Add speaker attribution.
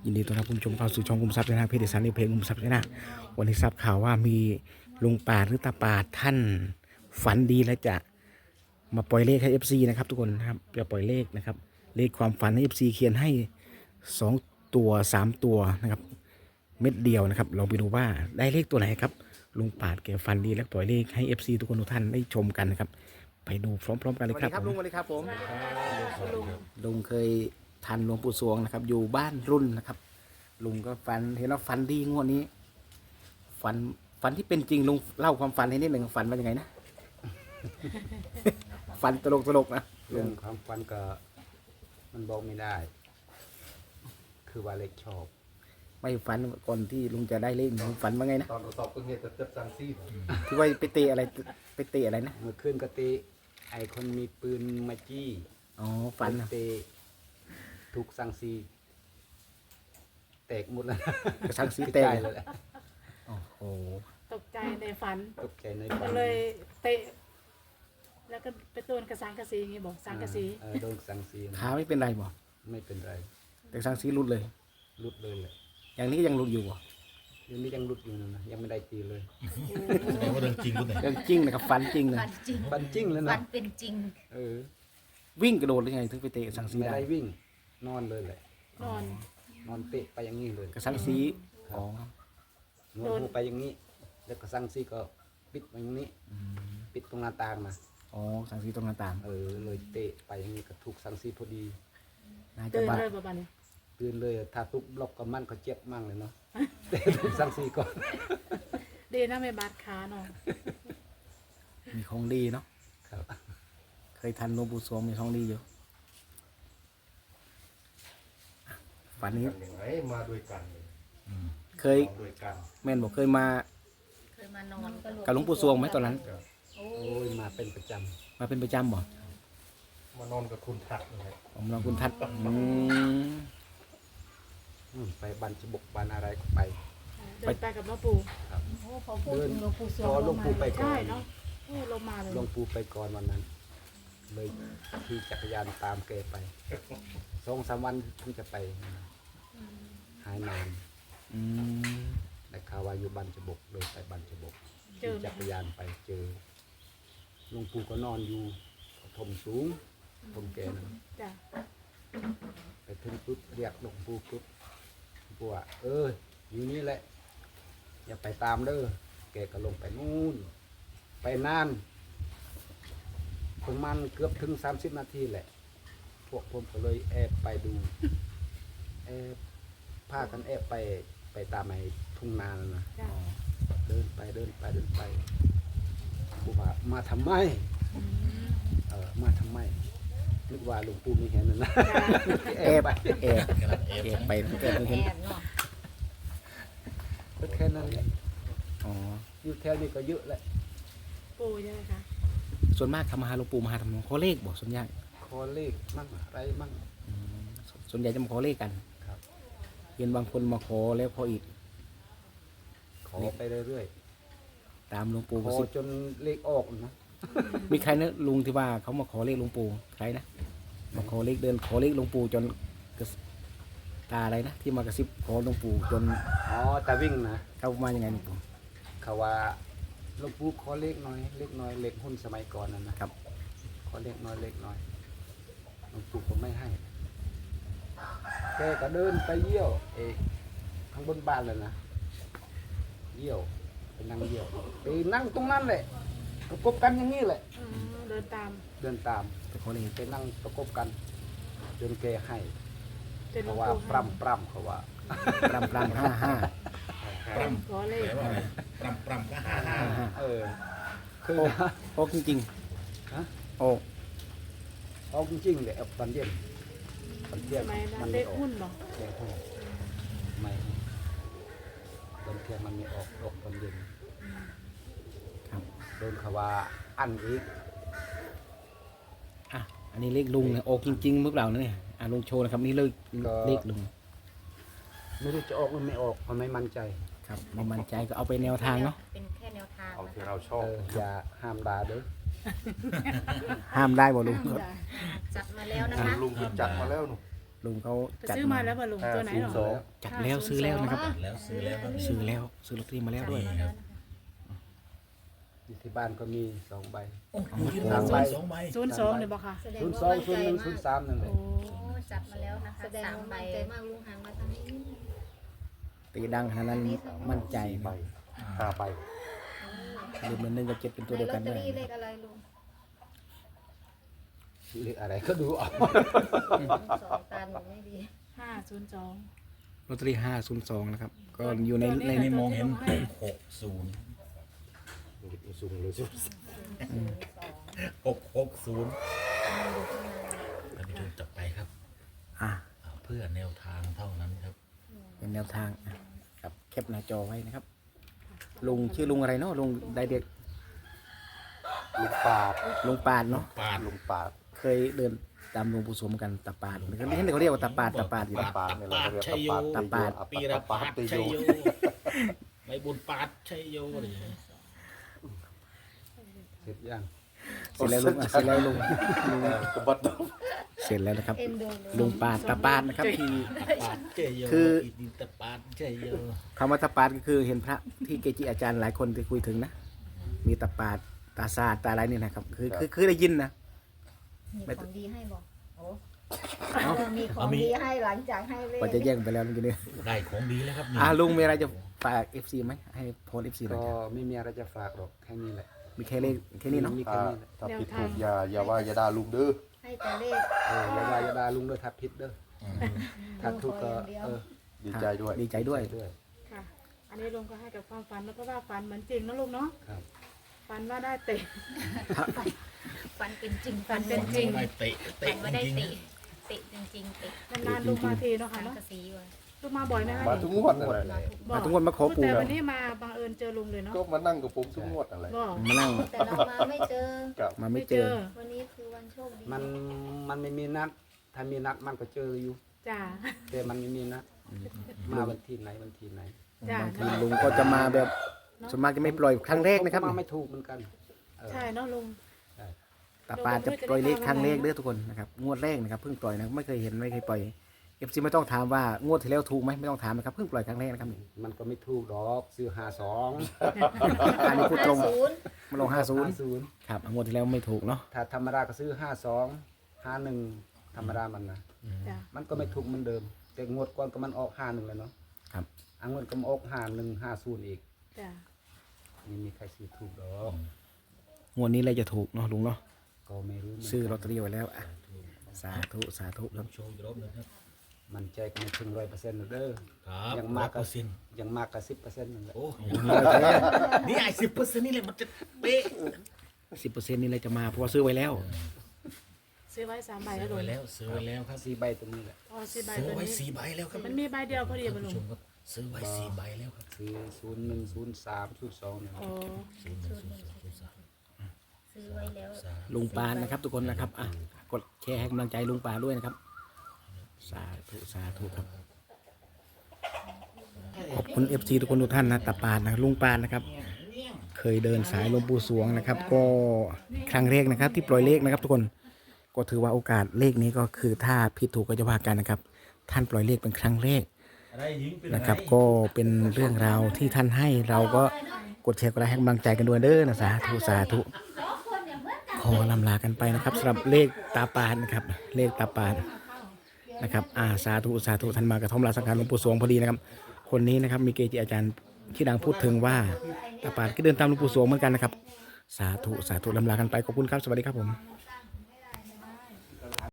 Speaker 1: ยินดีต้อนรับคุณผู้ชมเข้าสู่ช่องคุมทรัพย์นะเพจสารเพจคุมทรัพย์นะวันนี้ทราบข่าวว่ามีลุงป่าดหรือตาป่าดท่านฝันดีและจะมาปล่อยเลขให้ FC นะครับทุกคนนะครับจะปล่อยเลขนะครับเลขความฝันให้ FC เขียนให้2ตัว3ตัวนะครับเม็ดเดียวนะครับลองไปดูว่าได้เลขตัวไหนครับลุงป่าดแกฝันดีและปล่อยเลขให้ FC ทุกคนทุกท่านได้ชมกันนะครับไปดูพร้อมๆกันเลยครับลุงสวัสดีครับผมลุงเคยทันหลวงปู่สวงนะครับอยู่บ้านรุ่นนะครับลุงก็ฝันเห็นว่าฝันดีงวดนี้ฝันที่เป็นจริงลุงเล่าความฝันให้นิดหนึ่งฝันว่ายังไงนะ ฝันตลกนะลุ
Speaker 2: เรื่อง งความฝันก็มันบอกไม่ได้ คือว่าเล็กชอบ
Speaker 1: ไม่ฝันก่อนที่ลุงจะได้เลขลุงฝันว่าไงนะ
Speaker 3: ตอนสอบก็เงี้ยจะจังซี่
Speaker 1: ที่ว่าไปเตะอะไรนะ
Speaker 2: เมื่อคืนก็ตีไอคนมีปืนมาจี้
Speaker 1: อ๋อฝันนะ
Speaker 2: เตะถูกสังซีแตกหมดแล้ว
Speaker 1: กระชังสี
Speaker 2: ก
Speaker 1: เตะ
Speaker 2: ระจายเลยแหละ
Speaker 1: โอ้โห
Speaker 4: ตกใจในฝัน
Speaker 2: ตกใจใน
Speaker 4: ก็
Speaker 2: ฝัน
Speaker 4: เลยเตะ แล้วก็ไปโดนกระสังกระสีอย่างงี้บอกสังกระสี
Speaker 2: โดนสังซี
Speaker 1: ขาไม่เป็นไรบ่
Speaker 2: ไม่เป็นไร
Speaker 1: แต่สังสีหลุดเลย
Speaker 2: รุดเลยแหละ
Speaker 1: อย่างนี้ยังหลุดอยู่บ่
Speaker 2: ยังนี้ยังรุดอยู่นะยังไม่ได้ตีเลย
Speaker 3: แสดงว่าเรื่องจริงรู้ไหน
Speaker 1: เรื่องจริงนะครับฝันจริงเลย
Speaker 5: ฝันจริง
Speaker 2: ฝันจริงแล้ว
Speaker 5: ฝั
Speaker 2: นะ
Speaker 5: นเป็นจริง
Speaker 2: เออ
Speaker 1: วิ่งกระโดดหรือไงถึงไปเตะสังสี
Speaker 2: ไม่
Speaker 1: ได้
Speaker 2: ได้วิ่ง นอนเลยแหละ
Speaker 4: นอน
Speaker 2: นอนเตะไปอย่างนี้เลย
Speaker 1: กระชังสีอ๋อ
Speaker 2: นวดหูไปอย่างนี้ แล้วก็สั่งซี่ก็ปิดไว้อย่างนี้ ปิดตรงหน้าต่างนะ
Speaker 1: อ๋อสังสีตรงหน้าต่าง
Speaker 2: เลยเตะไปอย่างนี้ก็ถูกสั่งซี่พอดี
Speaker 1: น่าจะ
Speaker 4: ตื่น
Speaker 1: บาด
Speaker 4: เลยประมาณนี้
Speaker 2: ตื่นเลยถ้าทุบบล็อกก็มันก็เจ็บมั่งเลยเนาะ เตะถูกสั่งซี่ก่อน
Speaker 4: เดน่าไม่บาดขาเนาะ
Speaker 1: มีของดีเนาะ
Speaker 2: ครับ
Speaker 1: เคยทันหลวงปู่สวงมีของดีอยู่ฝันนี้
Speaker 3: ยังไงมาด้วยกันเลย
Speaker 1: เคย
Speaker 3: มาด้วยกัน
Speaker 1: แม่นบอกเคยมา
Speaker 5: เคยมานอนก็
Speaker 1: กับหลวงปู่สวงไหมตอนนั้น
Speaker 5: โอ้
Speaker 2: โอ้ยมาเป็นประจ
Speaker 1: มาเป็นประจำบ่
Speaker 3: มานอนกับคุณทักนะครับ
Speaker 1: ผมลองคุณทัศน์
Speaker 2: ำไปบันจบกบันอะไรก็ไป
Speaker 4: เดินไปกับหลวงปู่
Speaker 5: โหพอพูดถึงหลวงปู่สว
Speaker 2: พอง หลวงปู่ไปก่อ
Speaker 4: ใช่
Speaker 2: น
Speaker 4: เนาะโอ้ลงมาเลย
Speaker 2: หลวงปู่ไปก่อนวันนั้น เลยขี่จักรยานตามแกไป2-3 วันถึงจะไป หายนาน
Speaker 1: อืม
Speaker 2: แต่ข่าวว่าอยู่บันจบกเลยไปบันจบก
Speaker 4: เจอ
Speaker 2: ขี่จักรยานไปเจอหลวงปู่ก็นอนอยู่ถมสูงถมแกนะ
Speaker 4: จ้ะ
Speaker 2: ไปถึงปุ๊บเรียกหลวงปู่ปุ๊บหลวงปู่ว่าอยู่นี่แหละ อย่าไปตามเด้อแกก็ลงไปนู่น ไปนานประมาณเกือบถึง30 นาทีแหละ พวกผมก็เลยแอบไปดูแอบพากันแอบไปตามไอ้ทุ่งนานั่นนะ
Speaker 4: จ้ะ
Speaker 2: เดินไปปู่ว่ามาทำไม มาทำไมนึกว่าหลวงปู่ไม่เห็นนะ
Speaker 4: จ้ะ
Speaker 1: แอบแอบไปแอบเห็น
Speaker 5: แอบเนาะ
Speaker 2: ก็แค่นั้นแหละ
Speaker 1: อ๋อ
Speaker 2: อยู่แถวนี้ก็เยอะแหละ
Speaker 4: ปู่ใช่ไหมคะ
Speaker 1: ส่วนมากทำมาหาหลวงปู่มาหาทำขอเลขบอกส่วนใหญ่
Speaker 2: ขอเลขมั่งอะไรมั่ง
Speaker 1: ส่วนใหญ่จะมาขอเลขกัน
Speaker 2: ครับ
Speaker 1: เห็นบางคนมาขอแล้วขออีก
Speaker 2: ขอไปเรื่อย
Speaker 1: ตามหลวงปู่
Speaker 2: ๆข
Speaker 1: กระ
Speaker 2: อ
Speaker 1: ซิบ
Speaker 2: จนเลขออกนะ
Speaker 1: มีใครนะลุงที่ว่าเขามาขอเลขหลวงปู่ใครนะมาขอเลขเดินขอเลขหลวงปู่จนกระซิบตาอะไรนะที่มากระซิบขอหลวงปู่จน
Speaker 2: อ๋อแต่วิ่งนะ
Speaker 1: เข้ามายังไงหลวงปู่
Speaker 2: เขาว่าหลวงปู่ขอเลขหน่อยเลขน้อยเลขหุ้นสมัยก่อนนั่นนะครับ ขอเลขน้อยเลขน้อยหลวงปู่ก็ไม่ให้แกก็เดินไปเยี่ยวข้างบนบ้านเลยนะเยี่ยวไปนั่งเยี่ยวไปนั่งตรงนั้นแหละประกบกันอย่างนี้แหละ
Speaker 4: เดินตาม
Speaker 2: เดินตาม
Speaker 1: ไปขอเลข
Speaker 2: ไปนั่งประกบกันจนแกให้
Speaker 4: จนหลว
Speaker 2: เขา
Speaker 4: ง
Speaker 2: ว่า
Speaker 4: ปู่
Speaker 2: ปรำปรำเขาว่า
Speaker 1: ปรำ55
Speaker 4: ขอเลข
Speaker 3: แปลว่าอะไรปรำก็55
Speaker 2: คือ
Speaker 1: โอ้โอ้จริง
Speaker 2: ฮะ
Speaker 1: ๆโอ้
Speaker 2: เอาจริงๆเลยเอาตอนเย็นตอนเที่ย
Speaker 4: ส
Speaker 2: ง
Speaker 4: มัยนั้
Speaker 2: มัน น
Speaker 4: เล
Speaker 2: ไม่
Speaker 4: ข
Speaker 2: ออก
Speaker 4: หุ้นบอก
Speaker 2: เลขหุ้นไม่ตอนเที่ยงมันไม่ออกตอนเย็น
Speaker 1: ครับ
Speaker 2: โดนเขาว่าอันอีก
Speaker 1: อ่ะอันนี้เลขลุงนะออกจริงๆเมื่อเปล่านะเนี่ยลุงโชว์นะครับนี่เลขลุง
Speaker 2: ไม่รู้จะออกหรือไม่ออกเพราะไม่มั่นใจ
Speaker 1: ครับไม่มั่นใจก็เอาไปแนวทางเนาะ
Speaker 5: เป็นแค่แนวทาง
Speaker 3: เอา
Speaker 5: นะ
Speaker 3: ที่
Speaker 5: คะ
Speaker 3: เราชอบ
Speaker 2: อย่าห้ามด่าเด้อ
Speaker 1: ห้ามได้บ่ลุง
Speaker 4: จ้ะ
Speaker 5: จัดมาแล้วนะคะ
Speaker 3: ลุงคือจัดมาแล้วหนู
Speaker 1: ลุงเขา
Speaker 4: ไป
Speaker 1: จัด
Speaker 4: ซื้อมาแล้วบ่ลุงตัวไหนหรอ
Speaker 1: จัดแล้วซื้อแล้วนะครับ
Speaker 3: แล้วซื้อแล้วครับ
Speaker 1: ซื้อแล้วซื้อลอตเตอรี่มาแล้วด้วย
Speaker 2: อยู่ที่บ้านก็มี2 ใบ
Speaker 3: โอ้โหที่ร้านใบ2 ใบ
Speaker 4: 02เนี่ยบ่ค่ะ
Speaker 5: แสดง
Speaker 2: ศูนย์
Speaker 5: ว่า
Speaker 2: สอง
Speaker 5: มั่น
Speaker 2: ศูน
Speaker 5: ใจ
Speaker 2: ย์หนึ่ง
Speaker 5: มาก
Speaker 2: 03นั่นแหละ
Speaker 4: โอ้
Speaker 5: โอ้จับมาแล้วนะคะ
Speaker 6: แสดง
Speaker 5: 3
Speaker 6: ว่า
Speaker 5: ใบ
Speaker 6: มั่นใจมากลุงหันมาทางนี้
Speaker 1: ตีดังขนาดนั้นมั่นใจ
Speaker 3: ใบ
Speaker 1: นะ
Speaker 3: 5 ใบ
Speaker 1: ลืมเงิน1กับ7เป็นตัว
Speaker 6: ใน
Speaker 1: เดียว
Speaker 6: ลอ
Speaker 1: กั
Speaker 6: ต
Speaker 1: น
Speaker 6: เตอ
Speaker 1: ด้วย
Speaker 6: รี่เลขอะไรลุง
Speaker 2: เลขอะไรก็ดูเอา
Speaker 6: สองตาหนูไม่ดี
Speaker 4: 502
Speaker 1: ลอตเตอรี่502นะครับก็อยู่ใน
Speaker 4: ตัวนี้
Speaker 1: ใน
Speaker 3: นี่มองเห็น
Speaker 4: ให้
Speaker 3: 60
Speaker 2: สูงเลยสุด
Speaker 3: 660ท่านผู้ชมจับไปครับ
Speaker 1: อ่ะ
Speaker 3: เพื่อแนวทางเท่านั้นครับ
Speaker 1: เป็นแนวทางอ่ะครับแคปหน้าจอไว้นะครับ ลุงชื่อลุงอะไรเนาะลุงไดเด็ก
Speaker 2: ลูกปาด
Speaker 1: ลุงปาดเนาะ
Speaker 3: ปาด
Speaker 2: ลุงปาด
Speaker 1: เคยเดินตามหลวงปู่สมกันตาปาดเขาเรียกว่าตาปาดอยู่นะ
Speaker 3: ปาดชัยโย
Speaker 1: ตาปาด
Speaker 3: ปีระปาดชัยโยใบบุญปาดชัยโยอะไรอย่างเงี้ย
Speaker 2: เสร็จยัง
Speaker 1: เสร็จแล้วลุงอ่ะเสร็จแล้วลุง
Speaker 3: กบฏ
Speaker 1: เสร็จแล้วนะครับ
Speaker 6: เอ็นดูลุง
Speaker 1: ลุงปาดตาปาดนะครับที่
Speaker 3: ปาดชัยโย
Speaker 1: คือ
Speaker 3: ดินตะปาดชัยโย
Speaker 1: คำว่าตาปาดก็คือเห็นพระที่เกจิอาจารย์หลายคนที่คุยถึงนะ มีตาปาดตาซาดตาอะไรนี่นะครับคือได้ยินนะ
Speaker 6: มีของดีให้บอกโอ้
Speaker 1: เอ้า
Speaker 6: มีของดีให้หลังจากให้เลข
Speaker 1: ว่าจะแย่งไปแล้วเมื่อกี้นี้
Speaker 3: ได้ของดีแล้วครับนี่
Speaker 1: ลุงมีอะไรจะฝาก FC ไหมให้โพส FC หน่อย
Speaker 2: ก็
Speaker 1: ครับ
Speaker 2: ไม่มีอะไรจะฝากหรอกแค่นี้แหละ
Speaker 1: มีแค่เลขแค่นี้เนาะ
Speaker 2: มีแค่นี้แหละ
Speaker 3: ถ้าผิดถูกอย่าว่าอย่าด่าลุงเด้อ
Speaker 6: ให้แต่เลข
Speaker 2: อย่าว่าอย่าด่าลุงด้วยถ้าผิดเด้อถ้าถูกก็
Speaker 3: ดีใจด้วย
Speaker 1: ดีใจด้วย
Speaker 2: ด้วย
Speaker 4: ค่ะ อันนี้ลุงก็ให้กับความฝันแล้วก็ว่าฝันเหมือนจริงนะลุงเนาะ
Speaker 2: ครับ
Speaker 4: ฝันว่าได้เตะ
Speaker 5: ฟันเป็นจริง
Speaker 4: ฟันเป็นจริง
Speaker 3: ได้เตะ
Speaker 5: ฟั
Speaker 3: เตะ
Speaker 5: นว่า
Speaker 3: จ
Speaker 5: ได้
Speaker 3: ริงๆ
Speaker 5: เตะ
Speaker 3: นะ
Speaker 5: เตะจริงๆเตะ
Speaker 4: นานๆลุงมาทีเนาะ
Speaker 5: สั
Speaker 4: ค่ะ
Speaker 5: ง
Speaker 4: เนาะ
Speaker 5: กะสีว่ะ
Speaker 4: ลุงมาบ่อยไหมคะ
Speaker 3: มาทุกงวดอะไร
Speaker 1: มาทุกคนมาขอปู่
Speaker 4: แต่วันนี้มาบังเอิญเจอลุงเลยเนาะ
Speaker 3: ก็มานั่งกับผมทุกงวดอะไร
Speaker 4: ก็
Speaker 1: มานั่ง
Speaker 6: แต่เรามาไม่เจอ
Speaker 1: มาไม่เจอ
Speaker 6: วันนี้คือวันโชคดี
Speaker 2: มันไม่มีนัด ถ้ามีนัดมันก็เจออยู่
Speaker 4: จ้า
Speaker 2: แต่มันไม่มีนัดมาวันที่ไหน
Speaker 4: จ้า
Speaker 1: บางทีลุงก็จะมาแบบส่วนมากจะไม่ปล่อยครั้งแรกนะครับ
Speaker 2: มาไม่ถูกเหมือนกันเออ
Speaker 4: ใช่เนาะลุง
Speaker 1: ตาปาจะปล่อยเลขครั้งแรกเด้อทุกคนนะครับงวดแรกนะครับเพิ่งปล่อยนะไม่เคยเห็นไม่เคยปล่อย FC ไม่ต้องถามว่างวดที่แล้วถูกไหมไม่ต้องถามนะครับเพิ่งปล่อยครั้งแรกนะครับ
Speaker 2: มันก็ไม่ถูกดอกซื้อ
Speaker 1: อันนี้พูดตรง
Speaker 6: 50
Speaker 1: มาลง
Speaker 2: 50
Speaker 1: ครับงวดที่แล้วไม่ถูกเนาะ
Speaker 2: ถ้าธรรมดาก็ซื้อ52 51ธรรมดามันนะ
Speaker 4: จ้า
Speaker 2: มันก็ไม่ถูกเหมือนเดิม แต่งวดก่อนก็มันออก51เลยเนาะ
Speaker 1: ครับ
Speaker 2: งวดก็มาออก5150อีก
Speaker 4: จ้า
Speaker 2: นี่มีใครซื้อถูกดอก
Speaker 1: งวดนี้เลยจะถูกเนาะลุงเนาะ
Speaker 2: ก็ไม่รู้เหมืนกัน
Speaker 1: ซื้อลอตเตอรี่ไว้แล้วอ่ะสาธุสาธุครับ
Speaker 3: โชว์อีกรอบหนึงครับ
Speaker 2: มันใจก็ไม่ถึง100%หรอกเด้อ
Speaker 3: ครับ
Speaker 2: ยังมากก็
Speaker 3: 100%
Speaker 2: ยังมากก็10%นั่นแหละ
Speaker 3: โอ้นี่ไอ้10%นี่แหละมันจะเป๊ะ
Speaker 1: 10%นี่เลยจะมาเพราะว่าซื้อไว้แล้ว
Speaker 4: ซื้อไว้3 ใบ
Speaker 3: ซื้
Speaker 4: แล้
Speaker 3: อ
Speaker 4: วลุ
Speaker 3: ไว้
Speaker 4: ง
Speaker 3: แล้วซื้อไว้แล้วครับ
Speaker 2: 4 ใบตรงนี้แหละ
Speaker 4: อ๋อ4 ใบ
Speaker 3: ซื้อ
Speaker 4: ตัว
Speaker 3: ไว้
Speaker 4: นี้
Speaker 3: 4 ใบแล้วครับ
Speaker 4: มันมีใบเดียวพอดี
Speaker 3: ท่าน
Speaker 4: ป่ะลุ
Speaker 3: ผู้
Speaker 4: ง
Speaker 3: ชมครับซื้อไว้4 ใบแล้วครับ
Speaker 2: ซื้อ01 03 02เนี่ย
Speaker 4: อ๋อ
Speaker 5: ซื้อไว้แล้ว
Speaker 1: ลุงปานนะครับ ทุกคนนะครับอ่ะกดแชร์ให้กำลังใจลุงปานด้วยนะครับ สาธุสาธุครับขอบคุณ FC ทุกคนทุกท่านนะตาปานนะลุงปานนะครับ เคยเดินสายหลวงปู่สวงนะครับ ก็ครั้งแรกนะครับ ที่ปล่อยเลขนะครับ ทุกคนก็ถือว่าโอกาสเลขนี้ก็คือถ้าผิดถูกก็จะว่ากันนะครับ ท่านปล่อยเลขเป็นครั้งแรกนะครับ ก็เป็นเรื่องราวที่ท่านให้เราก็กดแชร์กดไลค์ให้กำลังใจกันด้วยเด้อนะสาธุสาธุขอลำลากันไปนะครับสำหรับเลขตาปานนะครับ เลขตาปานนะครับสาธุสาธุท่านมากระท่อมลาสังขารหลวงปู่สวงพอดีนะครับ คนนี้นะครับมีเกจิอาจารย์ที่ดังพูดถึงว่าตาปานก็เดินตามหลวงปู่สวงเหมือนกันนะครับ สาธุสาธุลำลากันไปขอบคุณครับสวัสดีครับผม